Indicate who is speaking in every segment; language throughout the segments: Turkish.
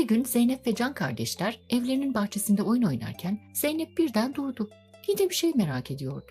Speaker 1: Bir gün Zeynep ve Can kardeşler evlerinin bahçesinde oyun oynarken Zeynep birden durdu. Yine bir şey merak ediyordu.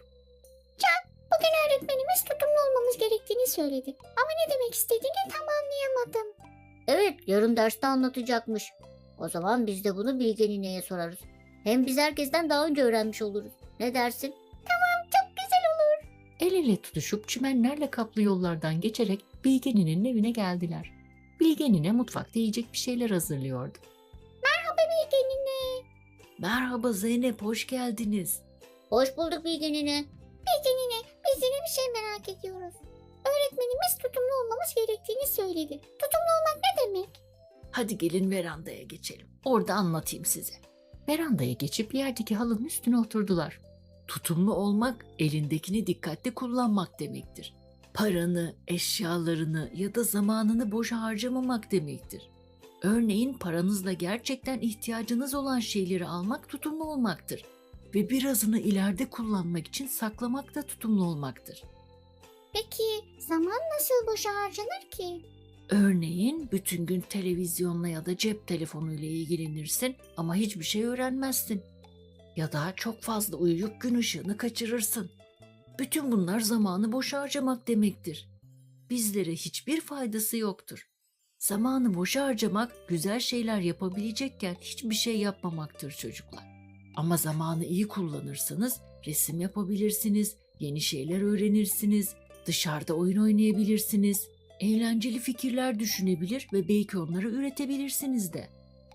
Speaker 2: Bugün öğretmenimiz tutumlu olmamız gerektiğini söyledi. Ama ne demek istediğini tam anlayamadım. Evet, yarın derste anlatacakmış. O zaman biz de bunu Bilge Nine'ye sorarız. Hem biz herkesten daha önce öğrenmiş oluruz. Ne dersin? Tamam, çok güzel olur.
Speaker 1: El ele tutuşup çimenlerle kaplı yollardan geçerek Bilge Nine'nin evine geldiler. Bilge Nine mutfakta yiyecek bir şeyler hazırlıyordu.
Speaker 2: Merhaba Bilge Nine.
Speaker 1: Merhaba Zeynep, hoş geldiniz.
Speaker 2: Hoş bulduk Bilge Nine. Bilge Nine, biz yine bir şey merak ediyoruz. Öğretmenimiz tutumlu olmamız gerektiğini söyledi. Tutumlu olmak ne demek?
Speaker 1: Hadi gelin verandaya geçelim. Orada anlatayım size. Verandaya geçip yerdeki halının üstüne oturdular. Tutumlu olmak, elindekini dikkatli kullanmak demektir. Paranı, eşyalarını ya da zamanını boşa harcamamak demektir. Örneğin paranızla gerçekten ihtiyacınız olan şeyleri almak tutumlu olmaktır. Ve birazını ileride kullanmak için saklamak da tutumlu olmaktır.
Speaker 2: Peki zaman nasıl boşa harcanır ki?
Speaker 1: Örneğin bütün gün televizyonla ya da cep telefonuyla ilgilenirsin ama hiçbir şey öğrenmezsin. Ya da çok fazla uyuyup gün ışığını kaçırırsın. Bütün bunlar zamanı boş harcamak demektir. Bizlere hiçbir faydası yoktur. Zamanı boş harcamak güzel şeyler yapabilecekken hiçbir şey yapmamaktır çocuklar. Ama zamanı iyi kullanırsanız resim yapabilirsiniz, yeni şeyler öğrenirsiniz, dışarıda oyun oynayabilirsiniz, eğlenceli fikirler düşünebilir ve belki onları üretebilirsiniz de.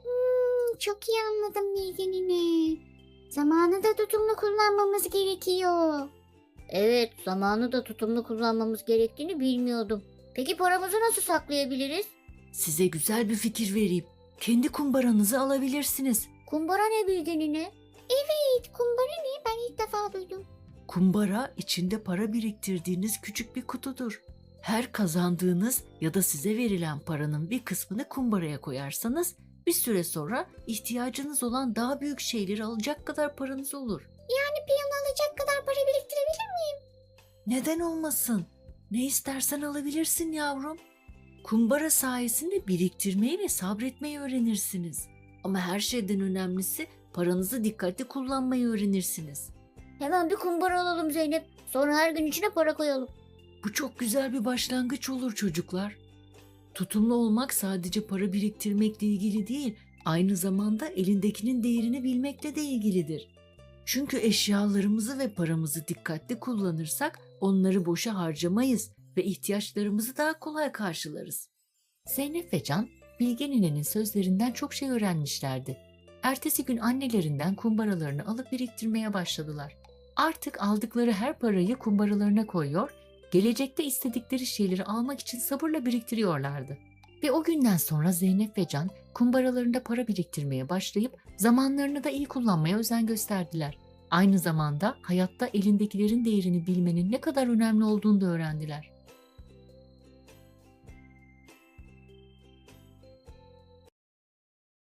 Speaker 2: Çok iyi anladım Bilge Nine. Zamanı da tutumlu kullanmamız gerekiyor. Evet, zamanı da tutumlu kullanmamız gerektiğini bilmiyordum. Peki paramızı nasıl saklayabiliriz?
Speaker 1: Size güzel bir fikir vereyim. Kendi kumbaranızı alabilirsiniz.
Speaker 2: Kumbara ne Bilge Nine? Evet, kumbara ne? Ben ilk defa duydum.
Speaker 1: Kumbara içinde para biriktirdiğiniz küçük bir kutudur. Her kazandığınız ya da size verilen paranın bir kısmını kumbaraya koyarsanız bir süre sonra ihtiyacınız olan daha büyük şeyleri alacak kadar paranız olur.
Speaker 2: Yani bir yıl alacak kadar para biriktirebilir miyim?
Speaker 1: Neden olmasın? Ne istersen alabilirsin yavrum. Kumbara sayesinde biriktirmeyi ve sabretmeyi öğrenirsiniz. Ama her şeyden önemlisi paranızı dikkatli kullanmayı öğrenirsiniz.
Speaker 2: Hemen bir kumbara alalım Zeynep. Sonra her gün içine para koyalım.
Speaker 1: Bu çok güzel bir başlangıç olur çocuklar. Tutumlu olmak sadece para biriktirmekle ilgili değil, aynı zamanda elindekinin değerini bilmekle de ilgilidir. Çünkü eşyalarımızı ve paramızı dikkatli kullanırsak onları boşa harcamayız ve ihtiyaçlarımızı daha kolay karşılarız. Zeynep ve Can, Bilge Nine'nin sözlerinden çok şey öğrenmişlerdi. Ertesi gün annelerinden kumbaralarını alıp biriktirmeye başladılar. Artık aldıkları her parayı kumbaralarına koyuyor, gelecekte istedikleri şeyleri almak için sabırla biriktiriyorlardı. Ve o günden sonra Zeynep ve Can kumbaralarında para biriktirmeye başlayıp zamanlarını da iyi kullanmaya özen gösterdiler. Aynı zamanda hayatta elindekilerin değerini bilmenin ne kadar önemli olduğunu da öğrendiler.